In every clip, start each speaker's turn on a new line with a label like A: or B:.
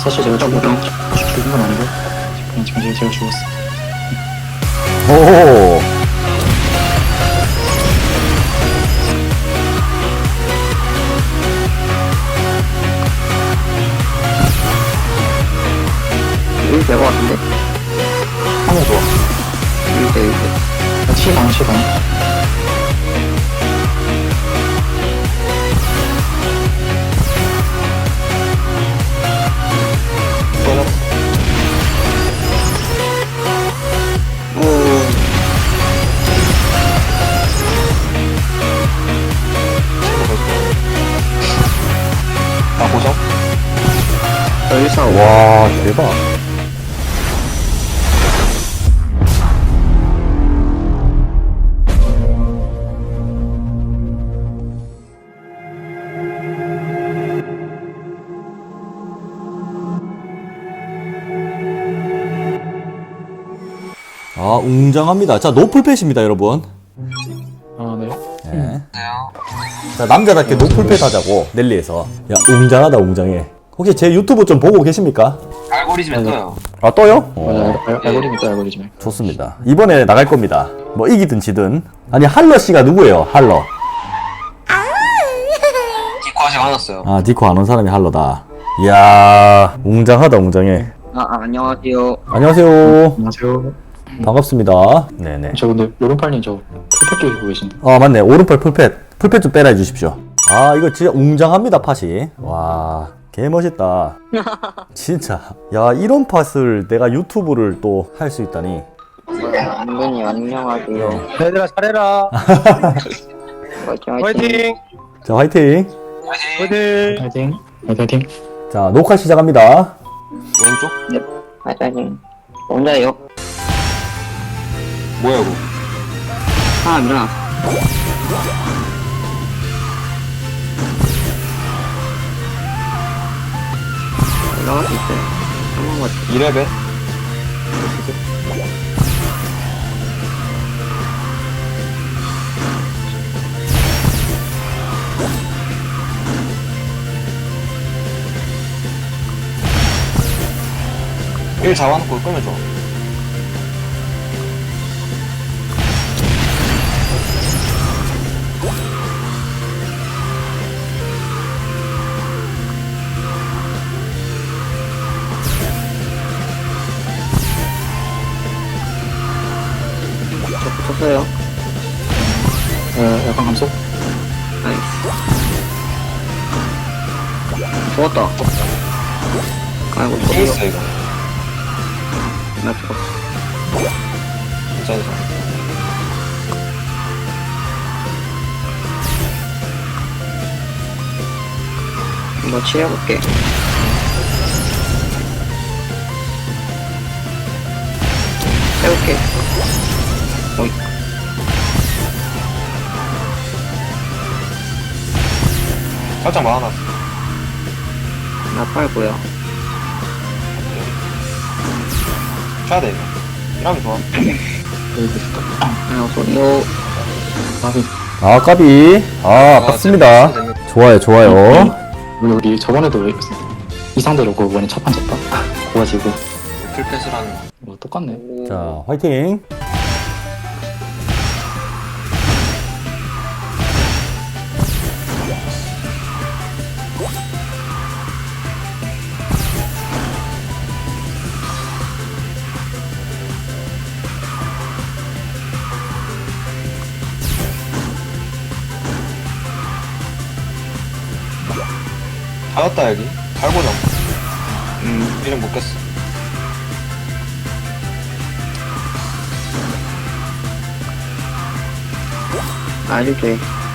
A: 사실 제가 죽은 건 아니고 그냥 지금 제가 죽었어.
B: 오.
C: 여기 될것 같은데?
A: 하면 좋아.
C: 1대 1대.
A: 치방.
D: 아, 보석?
C: 여기서
B: 와, 대박. 아, 웅장합니다. 자, 노플팻입니다, 여러분.
A: 아 네.
B: 네. 자, 남자답게 노플팻 하자고, 넬리에서. 야, 웅장하다, 웅장해. 혹시 제 유튜브 좀 보고 계십니까?
D: 알고리즘에 떠요.
B: 아, 떠요?
A: 맞아. 알고리즘 또 알고리즘에.
B: 좋습니다. 이번에 나갈 겁니다. 뭐, 이기든 지든. 아니, 할러 씨가 누구예요? 할러.
D: 디코 아직 안 왔어요.
B: 아, 디코 안 온 사람이 할러다. 이야, 웅장하다, 웅장해.
C: 안녕하세요.
B: 안녕하세요.
A: 안녕하세요.
B: 반갑습니다. 네네.
A: 저 근데 요런팔님 저 풀팩 끼고 계신데.
B: 아, 맞네. 오른팔 풀팻 좀 빼라 해주십시오. 아, 이거 진짜 웅장합니다, 팟이. 와, 개멋있다. 진짜. 야, 이런 팟을 내가 유튜브를 또 할 수 있다니.
C: 안녕히 안녕하세요.
E: 얘들아 잘해라.
C: 화이팅 화이팅.
E: 화이팅.
B: 자, 화이팅.
E: 화이팅.
A: 파이팅.
B: 자, 녹화 시작합니다.
D: 왼쪽?
C: 네. 화이팅. 혼자예요.
D: 뭐야, 이거?
C: 하나 일어나. 올라갈 수 있어요. 한 번만.
D: 2레벨? 일 잡아놓고 끄면 좋아.
C: 저 붙었어요.
A: 약간 감속.
C: 나이스. 죽었다. 아이고
D: 게
C: 저기요.
D: 있어, 이거.
C: 나 죽었어.
D: 괜찮아.
C: 한번 치해볼게. 해볼게. 어이.
D: 살짝 막아놨어.
C: 나 팔고요.
D: 쳐야 돼, 이거. 이러면 좋아.
A: 여기 됐다.
C: 안녕하세요.
A: 나비.
B: 아, 까비. 아, 아깝습니다. 좋아요, 좋아요.
A: 우리 저번에도 이 상대로 그 원에 첫판 졌다. 고가지고.
D: 풀패스를 하는 거.
A: 똑같네.
B: 자, 화이팅.
D: 닫았다, 여기. 달고정. 이름 못 깼어.
C: 아주 돼.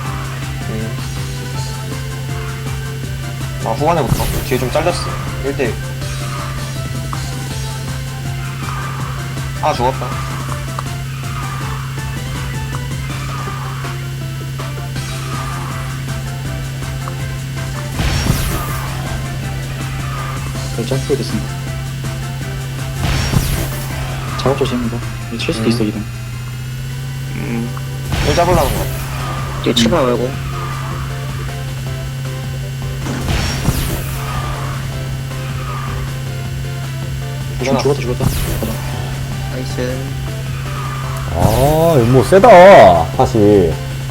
D: 아, 후반에부터. 뒤에 좀 잘렸어. 1대1. 아, 죽었다.
A: 점프 됐습니다. 작업 조심입니다. 칠 수도 있어, 이동.
D: 1 잡으려는 거 같아.
C: 뒤에 치가 말고.
D: 일어나.
A: 죽었다.
C: 나이스.
B: 아, 이거 뭐 세다. 팟이.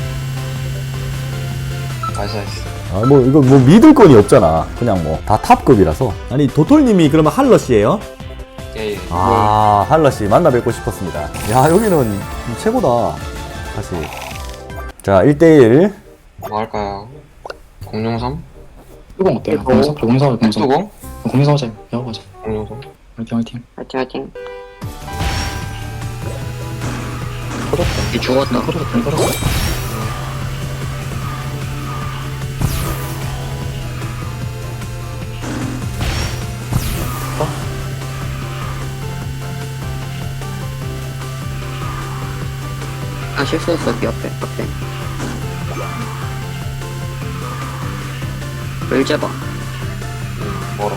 D: 나이스.
B: 아, 뭐 이거 뭐 믿을 건이 없잖아. 그냥 뭐 다 탑급이라서. 아니 도톨님이 그러면 할러씨예요?
D: 예.
B: 아, 할러씨 만나 뵙고 싶었습니다. 야, 여기는 최고다. 다시. 자, 1대1.
D: 뭐 할까요? 003?
A: 이건 어때요?
C: 이거.
A: 공성
D: 수공?
A: 하자. 야구 가자.
D: 003?
A: 화이팅.
C: 화이팅.
A: 터졌다.
C: 얘 죽었다.
A: 터졌어.
C: 아, 실수했어. 앞에. 물 잡아.
D: 멀어.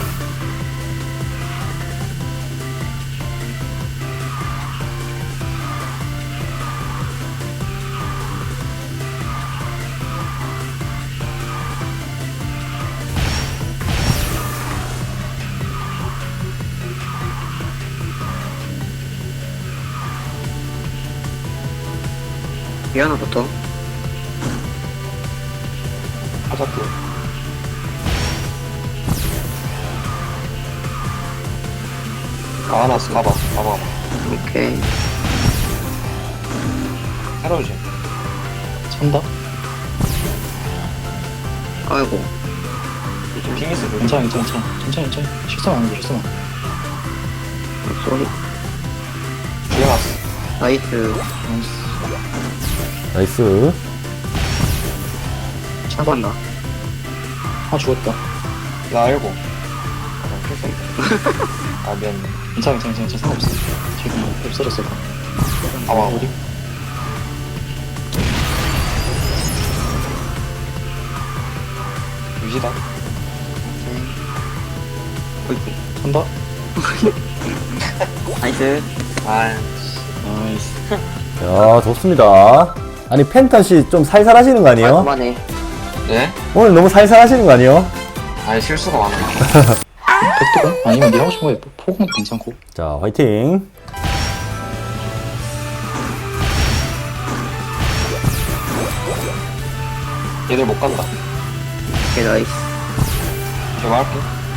C: 위 하나부터.
D: 하자꾸. 가봤어. 가봐.
C: 오케이.
D: 새로우지.
A: 찬다.
C: 아이고.
D: 핑 있어.
A: 괜찮아. 천천히. 실수만 안 해.
C: 쏘리.
D: 죽여놨어.
C: 나이스.
B: 나이스.
C: 차간다.
A: 죽었다.
D: 나 알고. 아, 미안해.
A: 괜찮아. 상관없어. 지금 없어졌어.
D: 봐봐.
A: 어디?
D: 유지다.
C: 어이구.
A: 찬다.
C: 나이스.
D: 아,
A: 나이스.
B: 야, 좋습니다. 아니 펜턴씨 좀 살살 하시는 거 아니에요?
C: 그만해.
D: 예?
B: 오늘 너무 살살 하시는 거 아니에요?
D: 아니, 실수가 많아.
A: 백두공? 아니면 네 하고 싶은 거에 포공도 괜찮고.
B: 자, 화이팅.
D: 얘들 못 간다.
C: 오케이, 나이스.
D: 제가 할게.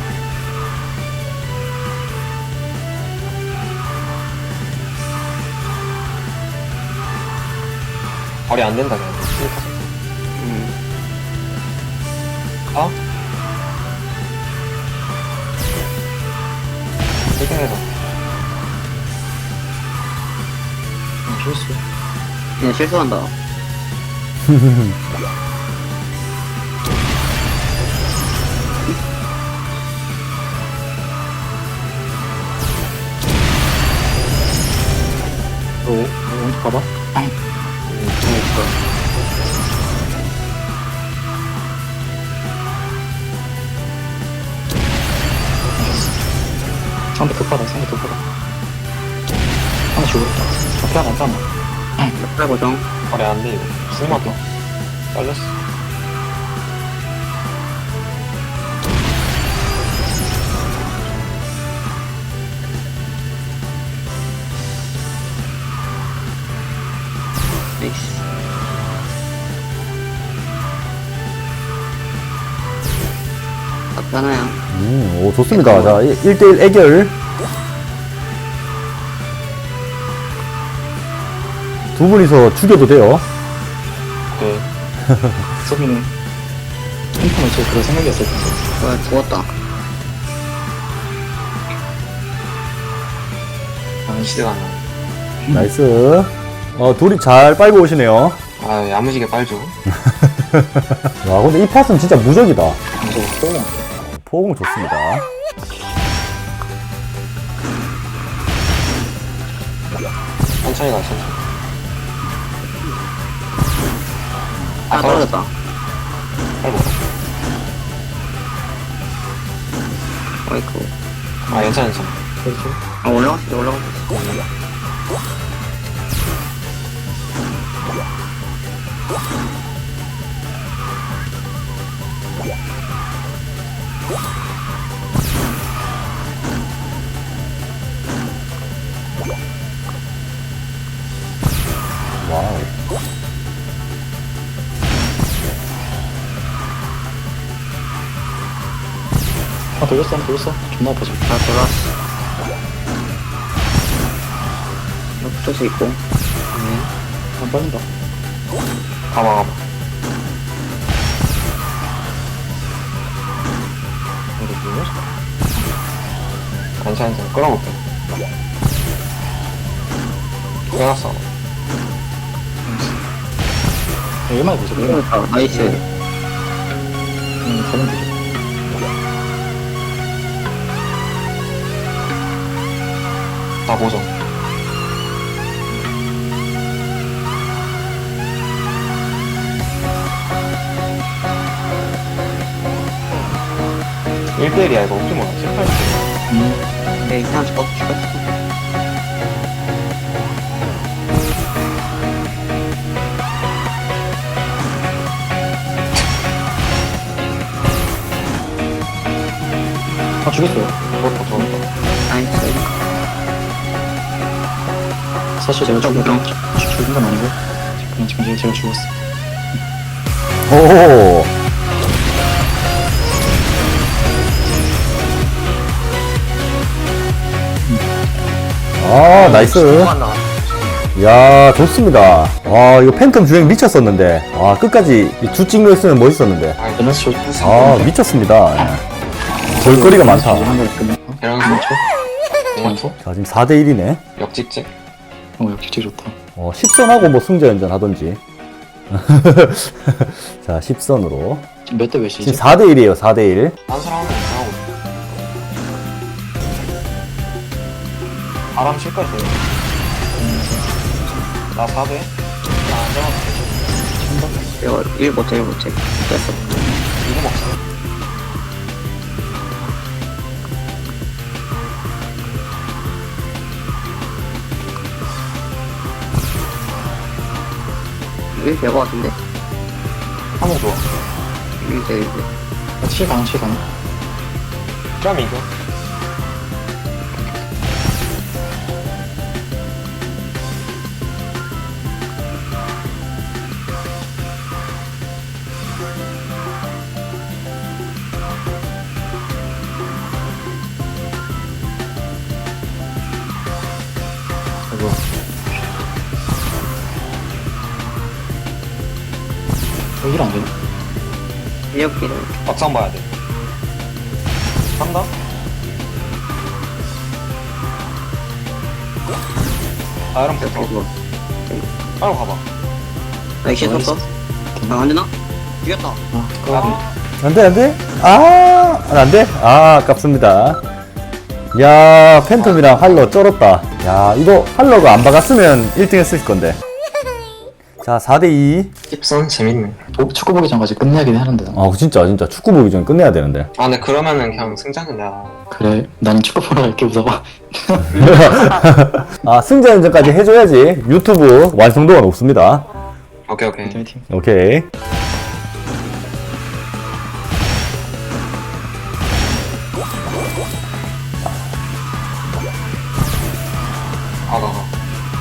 D: 거리 안 된다, 그냥. 어? 1등에서.
A: 실수.
C: 그냥 실수한다.
A: 오른쪽 봐봐. 상대 급하다. 하나 죽었다. 앞에 하나 안 따나.
C: 빨리 고정.
D: 거리 안 돼, 이거. 쓸맛도. 잘렸어.
C: 나이스. 앞에 하나야.
B: 오, 좋습니다. 자, 1대1 애결. 두 분이서 죽여도 돼요.
D: 네.
A: 서비는 핑크는 제 그런 생각이었을 텐데.
C: 뭐야, 죽었다.
D: 시대가 안 나.
B: 나이스. 둘이 잘 빨고 오시네요.
D: 아, 야무지게 빨죠.
B: 와, 근데 이 팟은 진짜 무적이다.
A: 무서워. 포공.
B: 포공 좋습니다.
D: 천천히 가, 천천히.
C: 아, 떨어졌다.
D: 아이고.
C: 어이쿠.
D: 아, 괜찮아.
C: 아, 올라갔어.
A: 돌렸어. 존나 아파져.
C: 나 돌아왔어. 나 붙어서 있고.
A: 안 빠진다.
D: 가봐. 이거 뭐야? 괜찮아. 끌어볼게. 끊었어.
A: 얼마나 보죠?
C: 아, 나이스.
A: 가면 되죠.
D: 다 보죠. 일대일이야 이거 혹시 몰라 18대
C: 네, 그냥 죽었어.
A: 아, 죽였어요.
D: 그것도 좋았다.
C: 나이스.
A: 사실 제가 죽은
C: 무정.
A: 건 아니고, 그냥 지금 제가 죽었어.
B: 오. 아, 나이스. 야, 좋습니다. 와, 이거 팬텀 주행 미쳤었는데. 와, 끝까지 두 찍로 했으면 멋있었는데.
A: 밸런스
B: 아, 미쳤습니다. 예. 볼거리가 많다.
A: 한걸 끝내.
D: 이런
A: 원소?
B: 자, 지금 4대1이네.
D: 역직직.
A: 역시 좋다.
B: 10선하고 뭐 승자연전 하던지. 자, 10선으로.
A: 지금 몇 대 몇이지?
B: 지금 4대1이에요, 4대1.
D: 딴 사람 하면 이상하고. 바람 칠 거야, 나 4대? 나안 잡아도 되죠?
C: 이거 1 못해. 됐어.
D: 이거 먹어요?
C: 이거 될것 같은데?
D: 한번 좋아.
C: 이거 돼.
A: 7 가능.
D: 그럼 이거.
A: 이거. 여기를 안 되나?
C: 이렇게는.
D: 막상 봐야 돼. 간다? 아, 이러면 붙어.
C: 이거.
D: 빨리 가봐.
C: 나 이제 썼어? 안 되나? 죽였다.
A: 아,
B: 안 돼, 안 돼? 아, 안 돼? 아, 아깝습니다. 야, 팬텀이랑 할러 쩔었다. 야, 이거 할러가 안 박았으면 1등 했을 건데. 자, 4대2.
D: 힙선 재밌네.
A: 축구 보기 전까지 끝내야긴 하는데.
B: 아, 진짜 축구 보기 전에 끝내야 되는데.
D: 아, 근데 그러면은 그냥 승자는 내가.
A: 그래, 나는 축구 보러 갈게, 무서워.
B: 아, 승자연전까지 해줘야지. 유튜브 완성도가 높습니다.
D: 오케이.
A: 팀.
B: 오케이.
D: 가.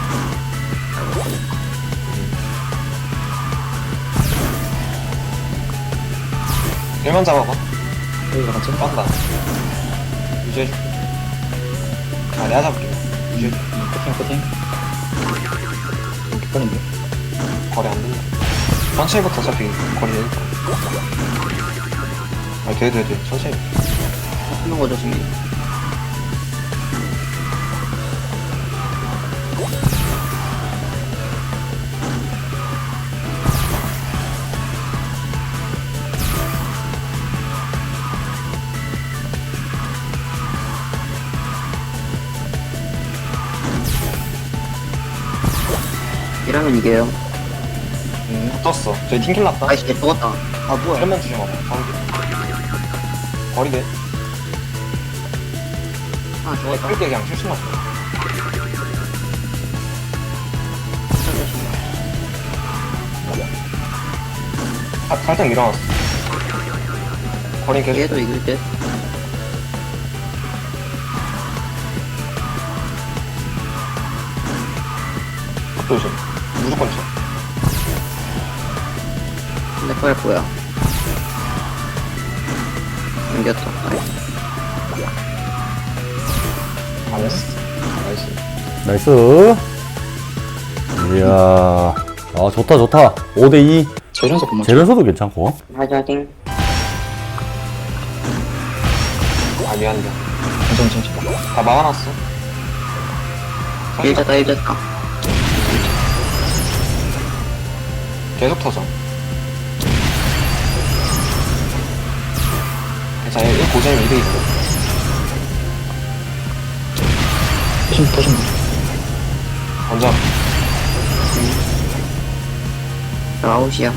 D: 일만 잡아봐.
A: 여기가 맞지?
D: 빤다. 유지해줄게. 아, 내가 잡을게. 유지해줄게.
A: 커팅. 이렇게 빠른데?
D: 거리 안 된다. 천천히부터 어차피 거리 되니까. 아, 돼. 천천히.
C: 하는 거죠, 지금. 이러면 이겨요.
D: 붙었어. 저희 팀킬 났다.
C: 아이씨, 죽었다. 아, 뭐야.
D: 이러면 주셔봐. 거리 돼.
C: 아, 죽었다.
D: 끌게 그냥 실수만 줘. 살짝 밀어놨어. 거리 계속.
C: 얘도 이길 듯.
D: 조심. 무조건 쳐.
C: 근데 그걸 뭐야. 이겼다. 나이스.
D: 잘했어. 나이스.
B: 나이스. 이야. 아, 좋다, 좋다. 5대2.
A: 재련소 그만.
B: 재련소도 괜찮고.
C: 화이팅.
D: 아, 미안해.
A: 괜찮아.
D: 다 막아놨어.
C: 일자다 일자다.
D: 계속 터져. 괜찮아. 1 고정이 2대2거든.
A: 터진다.
D: 먼저.
C: 저 아웃이야.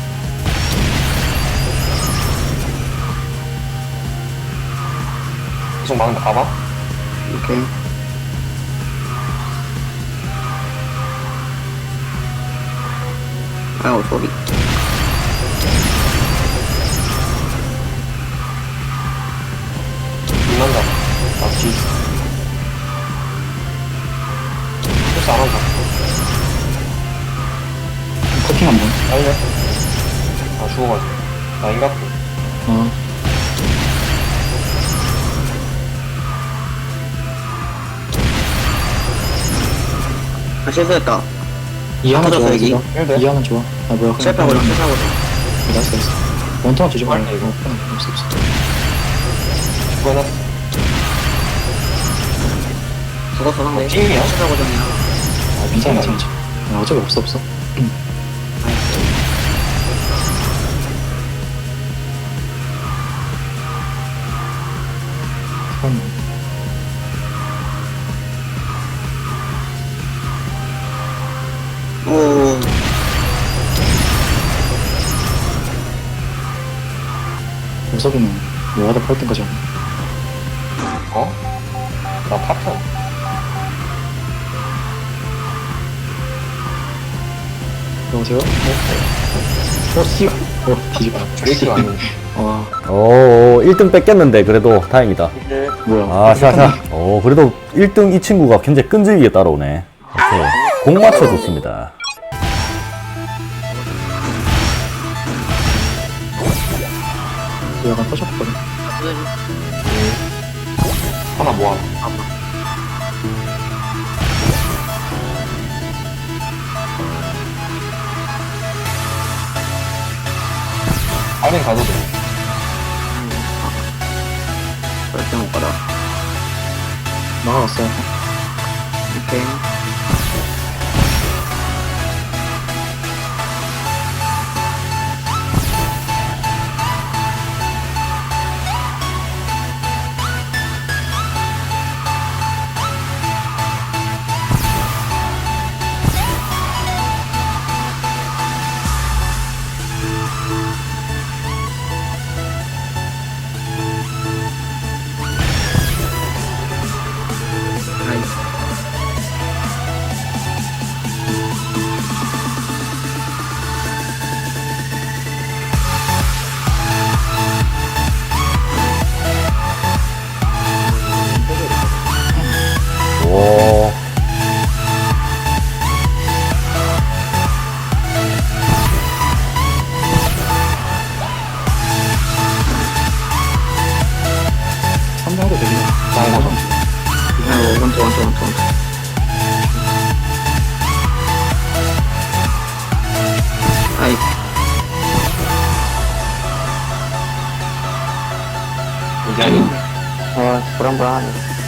D: 계속 막는다. 봐봐.
C: 오케이. 아우 소리.
D: 빛난다. 나 뒤. 실수 안 한다.
A: 커팅 한 번.
D: 빨리. 아, 죽어가지고. 나 인각도.
A: 어.
C: 아 실수했다.
A: 이하는 좋아.
C: 터졌어, 여기.
D: 일대.
A: 이하는 좋아. 아 뭐야?
C: 실패하고 실패하고.
A: 나이스 나이스. 원통만 뒤집어.
D: 빨리 이거.
A: 없어 없어.
D: 죽어놨어.
C: 죽었어 상대.
D: 팀이야?
C: 실패하고 전이야.
A: 아 괜찮아 괜찮아. 어차피 없어 없어.
C: 오.
A: 우석이는 뭐하다 팔 때까지 하고.
D: 어? 나 파편.
A: 여보세요? 씨. 뒤집어.
D: 브레이크가 안 되는데.
B: 오, 1등 뺏겼는데, 그래도 다행이다.
A: 뭐야?
B: 아, 샤샤. 오, 그래도 1등 이 친구가 굉장히 끈질기게 따라오네. 오케이. 공 맞춰줬습니다.
A: 약간 터졌거든.
D: 하나 모아. 빨리 가도 돼.
C: 절대 못 가다.
A: 나가왔어.
C: 오케이. 나이스.
B: 오.
A: 선명도 되긴 해.
D: 나이 나가.
C: 아이고 원투. 아이.
D: 이제 아니.
C: 불안불안하네.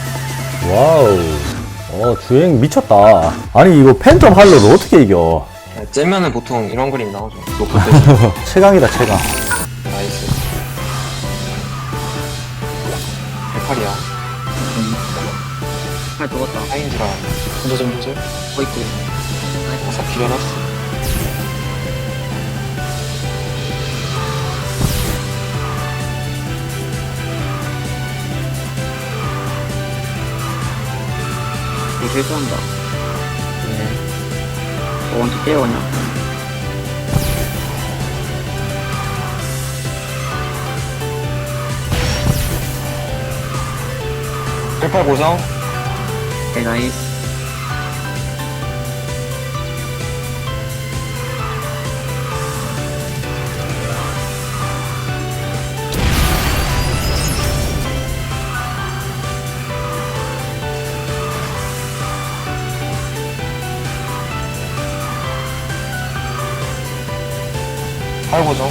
B: 와우. 주행 미쳤다. 아니, 이거 팬텀 할로를 어떻게 이겨?
D: 째면은 보통 이런 그림 나오죠. 높을 때.
B: 최강이다, 최강.
D: 나이스. 108이야.
C: 팔 죽었다.
D: 하인즈라
A: 혼자 좀 해주세요.
C: 호이트.
D: 어서 길어놨어.
C: 이거 실수한다. 원투 깨요 그냥.
D: 네. 108 고정.
C: 오케이 나이스.
D: 팔고정.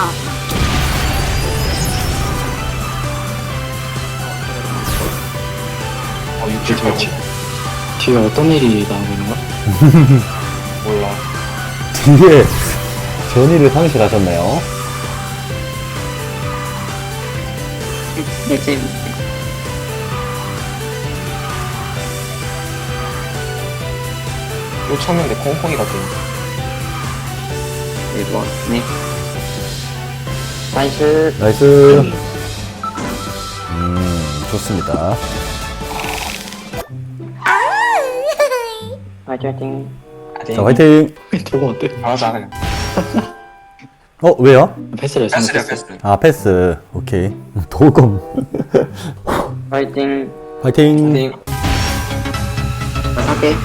D: 어, 6킬 팔고.
A: 뒤에 어떤 일이 나오고 있는 거야?
D: 몰라.
B: 뒤에 전의를 상실하셨네요.
C: 네, 재밌네.
D: 또 쳤는데 콩콩이가 돼.
C: 네, 뭐, 네.
E: 나이스.
B: 나이스. 좋습니다.
E: 화이팅.
B: 자, 화이팅!
A: 도구 어때?
D: 잘하자, 그냥.
B: 왜요?
A: 패스를
D: 패스야,
A: 잘못했어.
D: 패스.
B: 아, 패스. 오케이. 도검.
E: 화이팅.
B: 화이팅!
D: 띵.
C: 나 살게.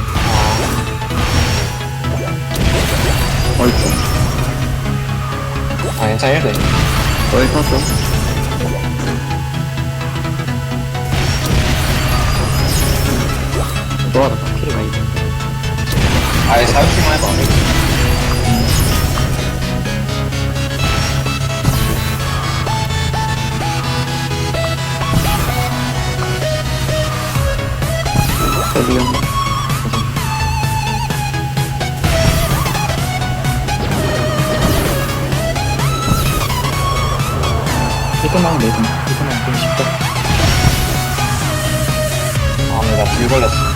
C: 어이구.
D: 아, 괜찮아, 1대.
C: 널 탔어. 너가 나 필이 많이 돼.
D: 아예 사육기만 해봐.
C: 어디요?
A: 이거만 내든 이거만 좀 쉽다.
D: 아, 근데 나불 걸렸어.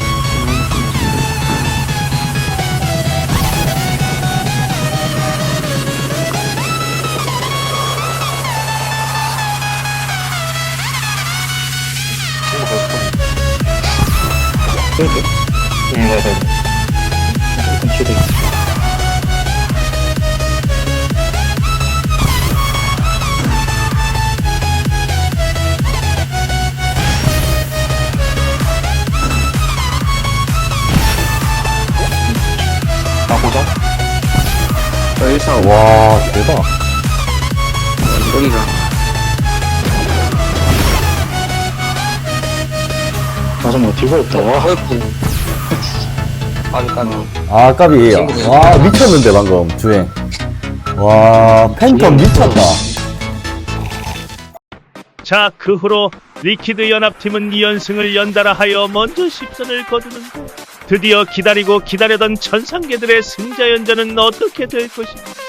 D: 친구 벌써 컸네.
A: 그렇게
D: 네네.
A: 조금 뒤에 있어.
D: 나 고정?
C: 너 145.
B: 와, 대박.
C: 여기가.
A: 맞아, 뭐 뒤가 없다. 와,
D: 아직까지.
B: 아, 까비. 와, 미쳤는데, 방금, 주행. 와, 팬텀 미쳤다.
F: 자, 그 후로 리퀴드 연합팀은 2연승을 연달아 하여 먼저 10선을 거두는데 드디어 기다리고 기다려던 천상계들의 승자연전은 어떻게 될 것인가.